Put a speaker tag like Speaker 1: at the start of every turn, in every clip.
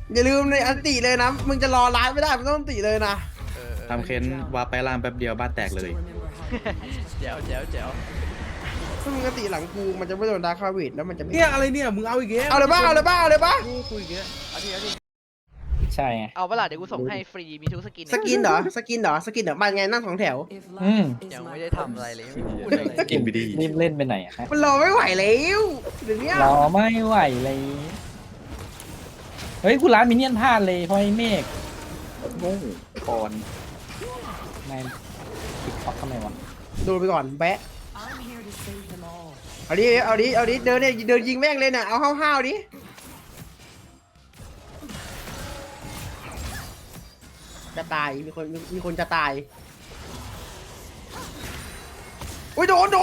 Speaker 1: อย่าลืมในอันติเลยนะมึงจะรอร้านไม่ได้มึงต้องอันติเลยนะ
Speaker 2: ทำเค้นวาร์ปไปล่างแป๊บเดียวบ้านแตกเลย
Speaker 3: เจ๋วเจ๋วเจ๋ว
Speaker 1: ถ้ามึงอันติหลังกูมันจะไม่โดนดาร์คคาวิดแล้วมันจะไม่
Speaker 4: เนี่ยอะไรเนี่ยมึงเอาอีกแล้ว
Speaker 1: เอาเลยบ้าเอาเลยบ้าเอาเลยบ้า
Speaker 4: กูคุยอีกแล้ว
Speaker 3: เอาดิเอาดิ
Speaker 5: ใช่ไง
Speaker 3: เอาเวลาเดี๋ยวกูส่งให้ฟรีมีทุกสกิน
Speaker 1: สกินเหรอสกินเหรอสกินเหรอบ้านไงนั่งสองแถว
Speaker 3: ยังไม่ได้ทำอะไรเลยไม่พูด
Speaker 2: เดี๋
Speaker 3: อะ
Speaker 2: ยว
Speaker 3: ไร
Speaker 2: กินไปดี
Speaker 5: รีบเล่นไปไหนอะฮะ
Speaker 1: มันรอไม่ไหวแล้วเดี๋ยวนี้
Speaker 5: รอไม่ไหวเลยเฮ้ยกูร้านมินเนี่ยนพลาดเลยเพราะไอ้เมฆโง่ก่อนนายติดท็อกทำไมวะ
Speaker 1: โดนไปก่อนแบะเอาดิเอาดิเอาดิเดินเนี่ยเดินยิงแม่งเลยน่ะเอาห้าวๆดิจะตายมีคนจะตายอุ้ยโดน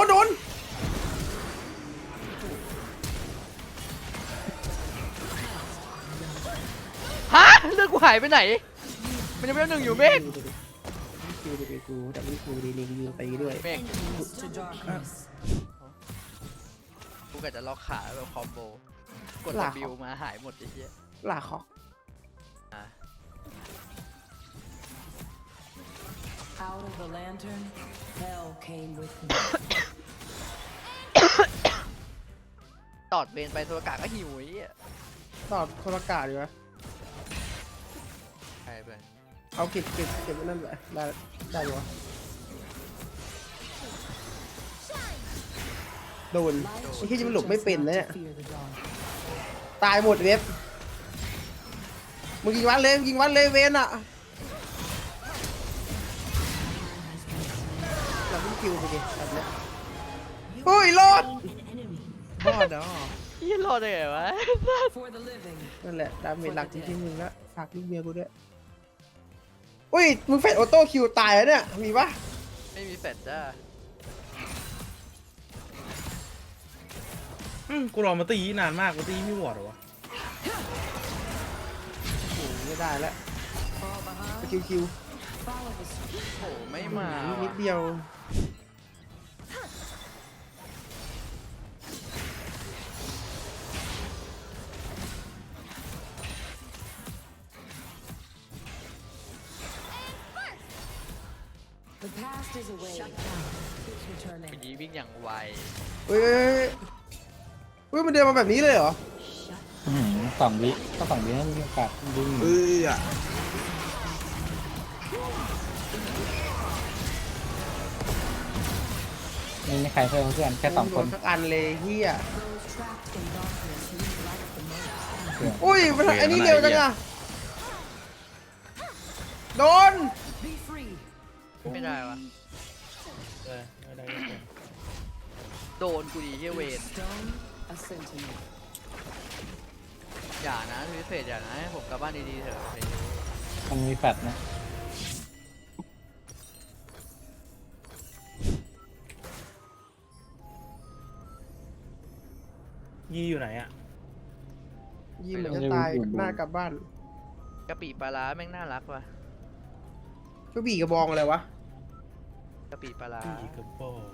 Speaker 3: ฮะเลือดกูหายไปไหน มันยังไม่ได้หนึ่งอยู่เมฆ
Speaker 1: คิวดีกูแต่ไม่คิวดีลิงยิงตีด้วย
Speaker 3: เมฆกูกะจะล็อกขาแบบคอมโบกด W มาหายหมดไอ้เหี้ย
Speaker 1: ลาคอก
Speaker 3: อ่ะ
Speaker 6: Out of the lantern, hell came with me.
Speaker 3: ตอดเบนไปตัวกากก็หิวไอ้เหี้ย
Speaker 1: ตอบโทรกาดีวะ
Speaker 3: ใครไป
Speaker 1: เอาเก็บไว้นั่นแหละได้วะโดนไอ้ที่จะมันหลบไม่เป็นนะเนี่ย
Speaker 6: Fear the dawn.
Speaker 1: ตายหมดเว็บมึงยิงวัดเลยเวนอ่ะเราไม่คิวไปดิแบบเนี้ยเฮ้ยรอดรอดเนาะ
Speaker 3: เหี้ยรอดได้ไงวะ
Speaker 6: For the living.
Speaker 1: นั่นแหละดาเมจหลักจริงๆมึงละฝากลูกเมียกูด้วยอุ้ยมึงเฟดออโต้คิวตายแล้วเนี่ยมีปะ
Speaker 3: ไม่มีแฟดจ้า
Speaker 4: กูรอมาตีนานมากกูตีไม่วอดเหรอวะ
Speaker 1: โอ้โหไม่ได้แล้ว
Speaker 6: Fall behind.
Speaker 1: คิว
Speaker 6: Follow the street.
Speaker 3: โอ้ไม่มา
Speaker 1: นิ
Speaker 3: ว่ะ
Speaker 1: ดเดียว
Speaker 6: The past is away. Shut down. It's returning.
Speaker 3: ปีวิ่งอย่างไว
Speaker 1: เฮ้ยมันเดินมาแบบนี้เลยเหรอ
Speaker 5: 2 วิก็2 วิให้มีโอกาสดึงไม่มีใครเพิ่มเพื่อนแค่2 คน
Speaker 1: สักอันเลยเฮีย
Speaker 6: Those trapped in darkness need light the most.
Speaker 1: อุ้ยมันไอ้นี่เร็วจังอะโดน
Speaker 6: Be free.
Speaker 3: ไม่ได้วะ
Speaker 4: ได้
Speaker 3: โดนกูดีเฮียเวน
Speaker 6: Stone, a sentinel.
Speaker 3: อย่านะทวิตเฟสอย่านะให้ผมกลับบ้านดีๆเถอะ
Speaker 5: มันมีแฟดนะ
Speaker 4: ยี่อยู่ไหนอ่ะ
Speaker 1: ยิงเหมือนจะตายหน้ากลับบ้าน
Speaker 3: กะปิปลาร้าแม่งน่ารักว่ะ
Speaker 1: ก็บีกระบองอะไรวะ
Speaker 3: กะปิปลาร้า
Speaker 4: ตีกระโปง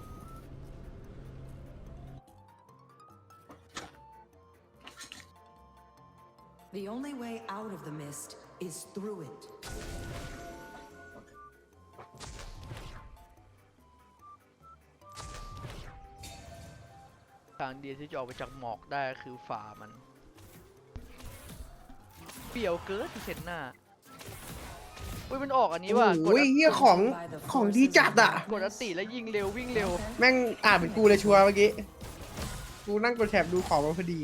Speaker 6: The only way out of the mist is through it.
Speaker 3: ทางเดียวที่จะออกไปจากหมอกได้คือฝ่ามัน เปรียวเกินที่เซนหน้าอุ้ยมันออกอันนี้ว่ะกด
Speaker 1: โอ้ยเฮียของดีจัดอะ
Speaker 3: กดอัตติแล้วยิงเร็ววิ่งเร็ว
Speaker 1: แม่งอ่านเป็นกูเลยชัวร์เมื่อกี้ กูนั่งกดแถบดูของมาพอดี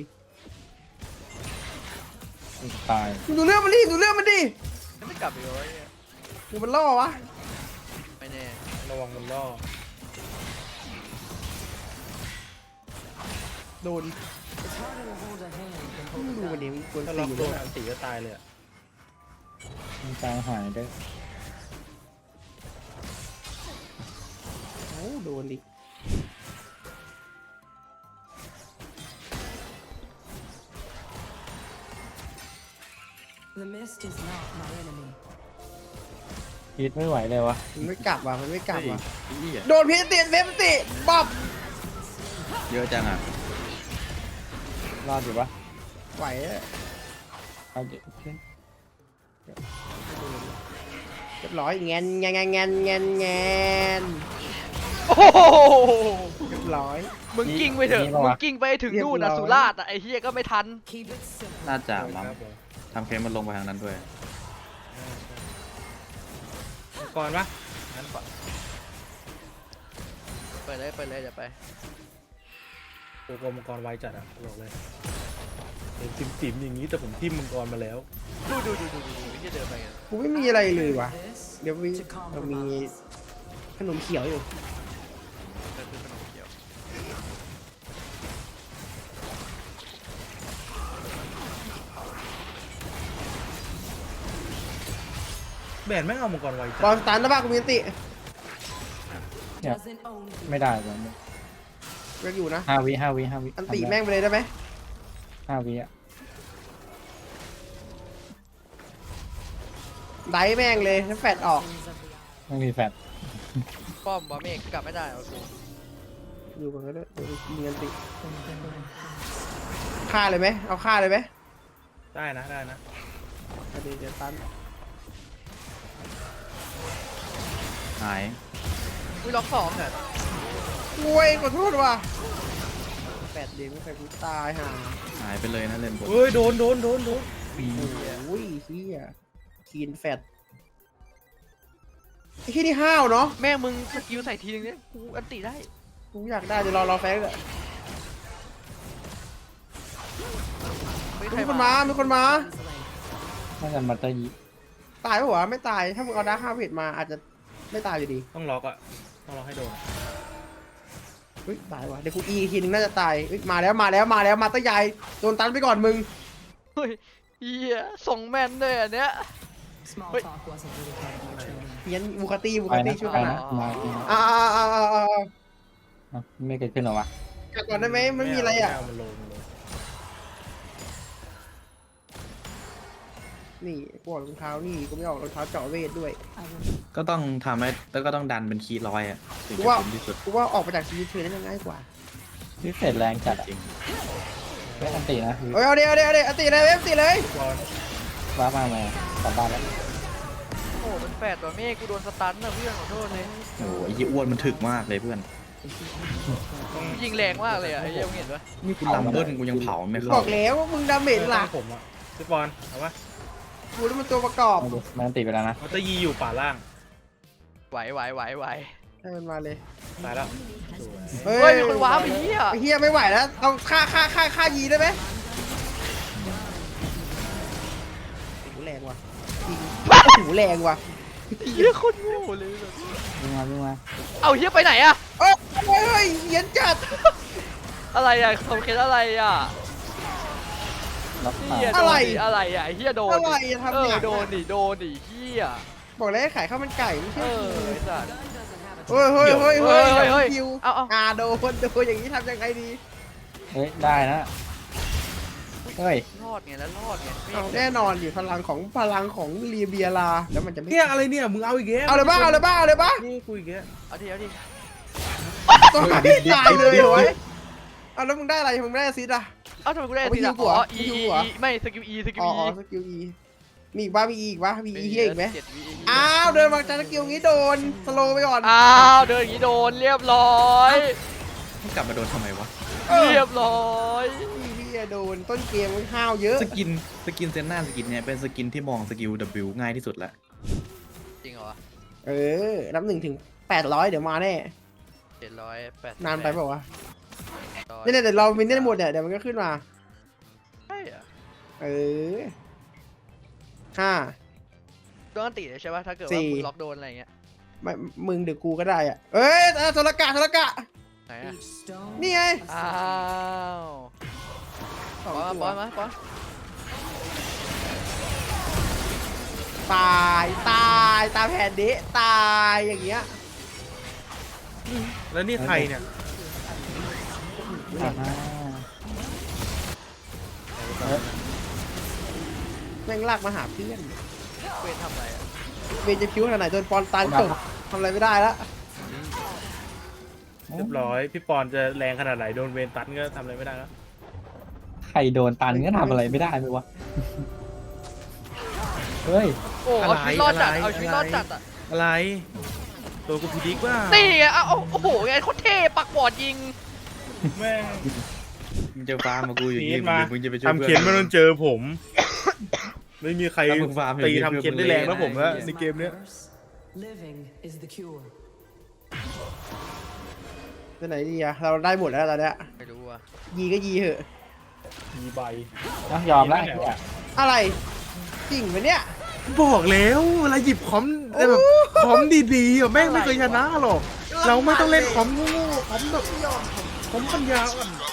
Speaker 5: ตาย
Speaker 1: มึงดูเรื่องมันดิดูเรื่องมันดิ
Speaker 3: ไม่กลับอีกเลยเนี่ย
Speaker 1: มึงมันล่อวะ
Speaker 3: ไม่แน่
Speaker 4: ระวังมันล่อ
Speaker 1: โดน
Speaker 6: It's harder to hold a hand than
Speaker 1: มึง
Speaker 6: hold
Speaker 1: ดู
Speaker 6: a
Speaker 1: มันดิ
Speaker 6: gun.
Speaker 1: มึงควร
Speaker 4: ถ้า
Speaker 1: ตี
Speaker 4: ล็อก
Speaker 1: อยู่
Speaker 4: โด
Speaker 1: ด้วย
Speaker 4: นอันตีก็ตายเลยอ่ะ
Speaker 5: มันกลางหายด้วย
Speaker 1: โอ้โดนดิ
Speaker 6: The mist is not my enemy.
Speaker 5: ฮิตไม่ไหวเลยวะ
Speaker 1: มันไม่กลับว่ะมันไม่กลับว่ะ
Speaker 2: อี้อ่ะ
Speaker 1: โดนพีติดเว็บติบับ
Speaker 2: เยอะจังอ่ะ
Speaker 5: รอดอยู่ปะ
Speaker 1: ไหวอะ
Speaker 5: เอาดิ
Speaker 1: เรียบร้อยแงนแงนแงนแงนแงนแงน
Speaker 3: โอ้โห
Speaker 1: เรียบร้อย
Speaker 3: มึงกิ้งไปเถอะ
Speaker 5: นี่ปะ
Speaker 3: มึ
Speaker 5: วะ
Speaker 3: งกิ้งไปถึงนู่น
Speaker 1: เรียบร้
Speaker 3: นะ
Speaker 1: อย
Speaker 3: สุราษฎร์อะไอ้เฮียก็ไม่ทัน
Speaker 6: Keep it simple.
Speaker 2: น่าจะ
Speaker 4: ค
Speaker 2: มั้ง
Speaker 4: รับผม
Speaker 2: ทำเคนมันลงไปทางนั้นด้วย
Speaker 4: มังกรปะงั้นก่อน
Speaker 3: เปิดเลยเปิดเลยเดี๋ยวไป
Speaker 4: โอ้โหมังกรไวจัดอ่ะบอกเลยเห็นจิ๋มๆอย่างนี้แต่ผมทิ่มมังกรมาแล้ว
Speaker 3: ดูไอ้เฮียเดินไปกัน
Speaker 1: กูไม่มีอะไรเลยว่ะ
Speaker 6: This
Speaker 1: เดี๋ยวมี
Speaker 6: to
Speaker 1: เรามี
Speaker 6: compromise.
Speaker 1: ขนมเขียวอยู่
Speaker 3: เดินขึ้นขนมเขียว
Speaker 4: แบนแม่งเอามังกรไวจั
Speaker 1: บอล
Speaker 4: ด
Speaker 1: สตันนะบ้ากูมีอันติ
Speaker 6: Doesn't own you.
Speaker 5: ไม่ได้เลย
Speaker 1: เรียกอยู่นะ
Speaker 5: 5 วิ
Speaker 1: อันติแม่งไปเลยได้ไหม
Speaker 5: 5 วิอ่ะ
Speaker 1: ไดแม่งเลยน้ำแฟดออก
Speaker 5: ไม่มีแฟด
Speaker 3: ป้อมบอเมฆกลับไม่ได้เอากู
Speaker 1: อยู่กันก็ได้เดี๋ยวมีอันติฆ่าเลยไหมเอาฆ่าเลยไหม
Speaker 4: ได้นะได้นะ
Speaker 1: อันนี้จะตัน
Speaker 2: หาย
Speaker 3: อุ้ยล็อกสองเนี่ย
Speaker 1: โอ้ยขอโทษว่ะแฟดเดียวไม่เคยกูตายห่า
Speaker 2: หายไปเลยนะเลนบน
Speaker 4: เฮ้ยโดน
Speaker 1: โอ้ยเฮียคีนแฟดไอ้ที่นี่ห้าวเนาะ
Speaker 3: แม่งมึงสกิลใส่ทีนึงเนี่ยกูอันติได้
Speaker 1: กูอยากได้เดี๋ยวรอแฟงเลย
Speaker 3: ไม่ใคร
Speaker 1: มีคนมามีคนมา
Speaker 5: น่าจะมาตะยี
Speaker 1: ตายปะวะไม่ตาย ถ้ามึงเอาดาร์คฮาเวดมาอาจจะไม่ตายอยู่ดี
Speaker 4: ต้องล็อกอ่ะต้องล็อกให้โดน
Speaker 1: เฮ้ยตายวะเดี๋ยวกูอีกทีนึงน่าจะตายเฮ้ยมาแล้วมาตะยายโดนตันไปก่อนมึง
Speaker 3: เฮ้ยเฮียส่งแม่นเลยอันเนี้ย
Speaker 6: Small
Speaker 3: Wait.
Speaker 6: talk wasn't really part of your training.
Speaker 1: เพี้ยนบูคาตี้
Speaker 5: ไปนะ
Speaker 1: ช่วย
Speaker 5: ไป
Speaker 1: กัน
Speaker 5: นะ
Speaker 1: นะ
Speaker 5: มา
Speaker 1: อ่า
Speaker 5: ไม่เกิดขึ้นหรอวะ
Speaker 1: กัดก่อนได้ไหมไม่มีอะไรอ่ะ
Speaker 4: ม่เามันโลมันโล
Speaker 1: นี่กูออกรองเท้านี่กูไม่ออกรองเท้าเจาะเวทด้วย
Speaker 6: I will
Speaker 2: ก็ต้องทำให้แล้วก็ต้องดันเป็นคีย์ร้อยอ่ะถึง
Speaker 1: กู
Speaker 2: จะ
Speaker 1: ว่า
Speaker 2: คุ้มที่สุด
Speaker 1: กูว่าออกมาจากชีวิตเธอได้ง่ายกว่า
Speaker 5: พิเศษแรงจัดอ่ะ
Speaker 2: จริง
Speaker 5: ไม่อันตีนะ
Speaker 1: เฮ้ยเอาเดี๋ยวอติเลยเว็บติเลย
Speaker 4: บอล
Speaker 5: ว้ามาไหมกลับบ้านแล้ว
Speaker 3: โอ้เป็นแฝดตัวเมฆกูโดนสตันนะเพื่อนขอโทษเลย
Speaker 2: โอ้โหไอ้ยี่อ้วนมันถึกมากเลยเพื่อน
Speaker 3: ยิงแรงมากเลยอ่ะไอ้เหี้ยมึงเห็นปะ
Speaker 2: นี่กูลำเบิ้ลกูยังเผาไม่
Speaker 1: บ
Speaker 2: เข้า
Speaker 1: อกแล้วว่ามึงดาเมจหลัก
Speaker 4: ผมอ่ะพี่บอลเอาปะ
Speaker 1: กูนี่มันตัวประกอบ
Speaker 5: มาดูมันอันตีไปแล้วนะ
Speaker 4: มันจะยีอยู่ป่าล่าง
Speaker 3: ไหว
Speaker 1: ให้มันมาเลย
Speaker 4: ตายแล้ว
Speaker 3: เฮ้ยมีคนว้าวไอ้เหี้ย
Speaker 1: ไอ้เฮียไม่ไหวแล้วเอาฆ่ายีได้ไหมโอ้โหแรงว่ะจริงโอ้โหแรงว่ะ
Speaker 3: เหี้ยโคนโง่เลยแบบ
Speaker 5: วิ่งมา
Speaker 3: เอาเหี้ยไปไหนอะ
Speaker 1: โอ้ยเหี้ยนจัด
Speaker 3: อะไรอะคอมเคสอะไรอะ
Speaker 5: ล็อกขา
Speaker 3: เหี้ยโดนดิอะไรอะไอ้เหี้ยโดน
Speaker 1: อะไร
Speaker 3: ดิ
Speaker 1: อะทำเนี่ย
Speaker 3: โดนดิเหี้ย
Speaker 1: บอกแล้วให้ขายข้าวมันไก่ไม่
Speaker 3: เอ
Speaker 1: ใช่
Speaker 3: อไอ้สัส
Speaker 1: เฮ้ย
Speaker 3: เฮ้ยเฮ้ยเฮ้ย
Speaker 1: คิว
Speaker 3: เอา
Speaker 1: โดนอย่างนี้ทำยังไงดี
Speaker 5: เฮ้ยได้นะเฮ้ย
Speaker 3: รอดไงแล้วรอดไงเมฆ
Speaker 1: เอาแน่นอนอยู่พลังของเรียเบียลาแล้วมันจะไม่
Speaker 4: เนี่ยอะไรเนี่ยมึงเอาอีกแล้ว
Speaker 1: เอาเลยบ้า
Speaker 4: นี่กูอีกแล้ว
Speaker 3: เอาดิ
Speaker 1: ต้องหาที่ตายเลยเหรอเอาแล้วมึงได้อะไรมึงได้ซิดอะ
Speaker 3: เอาทำไมกูได้
Speaker 1: เอาไป
Speaker 3: ทีละ
Speaker 1: ยิงหัว
Speaker 3: อ๋อ
Speaker 1: ยิงหัว
Speaker 3: ไม่สกิล
Speaker 1: อ๋อสกิลอีมีอีกปะมีอีกเฮียอีกไหม
Speaker 3: 7 วิ
Speaker 1: อ้าวเดินมาจากสกิลงี้โดนสโลไปก่อน
Speaker 3: อ้าวเดินอย่างนี้โดนเรียบร้อย
Speaker 2: ให้กลับมาโดนทำไมวะ
Speaker 3: เรียบร้อย
Speaker 1: พี่โดนต้นเกมมันห้าวเยอะ
Speaker 2: สกินเซนหน้าสกินเนี่ยเป็นสกินที่มองสกิล W ง่ายที่สุดละ
Speaker 3: จริงเหรอ
Speaker 1: เออนับ1 ถึง 800เดี๋ยวมาแน่
Speaker 3: 780
Speaker 1: นานไปเปล่าวะเนี่ยเดี๋ยวเรามินได้หมดเนี่ยเดี๋ยวมันก็ขึ้นมา
Speaker 3: ใช่อะ
Speaker 1: เออ5
Speaker 3: โดนตีเลยใช่ป่ะถ้าเกิด
Speaker 1: สี่
Speaker 3: ว่าคุณล็อกโดนอะไรเงี้ย
Speaker 1: ไม่มึงเดี๋ยวกูก็ได้อะเอ้ยโทรกะ
Speaker 3: ไหนอะ
Speaker 6: each stone.
Speaker 1: นี่ไง
Speaker 3: อ้าว
Speaker 1: สอง
Speaker 3: ปอน
Speaker 1: ตัว
Speaker 3: ปอนมาปอน
Speaker 1: ตายแผ่นดิตายอย่างเงี้ย
Speaker 4: แล้วนี่ใครเนี่ย
Speaker 5: อ่า
Speaker 1: แม่งลากมาหาเพื่อน
Speaker 3: เวนทำอะไรอะ
Speaker 1: เวนจะคิ้วขนาดไหนจนปอนตายจบทำอะไรไม่ได้แล้ว
Speaker 4: เรียบร้อยพี่ปอนจะแรงขนาดไหนโดนเวนตันก็ทำอะไรไม่ได้แล้ว
Speaker 5: ใครโดนตันก็ทำอะไรไม่ได้ไหมวะเฮ้ย
Speaker 3: โอ้เอาชีวิตรอดจัดเอาชีวิตรอดจัดอ่ะ
Speaker 4: อะไรตัวกูพีดิกว่า
Speaker 3: นี่ไงเอาโอ้โหไงโคตรเท่ปักบอดยิง
Speaker 4: แม่ง
Speaker 2: มึงจะฟาร์มมากูอยู่
Speaker 4: พี
Speaker 2: นี่
Speaker 4: ทมา
Speaker 2: มึงจะไปช่วย
Speaker 4: ทำ
Speaker 2: เพื่
Speaker 4: เคนไม่
Speaker 2: อน
Speaker 4: ต้องเจอผม ไม่มีใคร
Speaker 2: ถ้ามึงฟาร์มอยู่
Speaker 4: ตี
Speaker 2: ที่
Speaker 4: ทำเคนได้แรงแล้วผมนะในเกมเนี้ย
Speaker 6: Living is the cure.
Speaker 1: ไปไหนดีอะเราได้หมดแล้วตอนเนี้ย
Speaker 3: ไม่รู้อ่ะ
Speaker 1: ยีก็ยีเหอะ
Speaker 4: มีใบ
Speaker 5: นะยอมแล้ว
Speaker 4: ไหนวะ
Speaker 1: อะไรจริงไหมเนี่ย
Speaker 4: บอกแล้วเวลาหยิบคอมแบบคอมดีๆอ่ะแม่งไม่เคยชนะหรอก เราไม่ต้องเล่นคอมโง่ๆคอมแบบคอมปัญญาอ่อน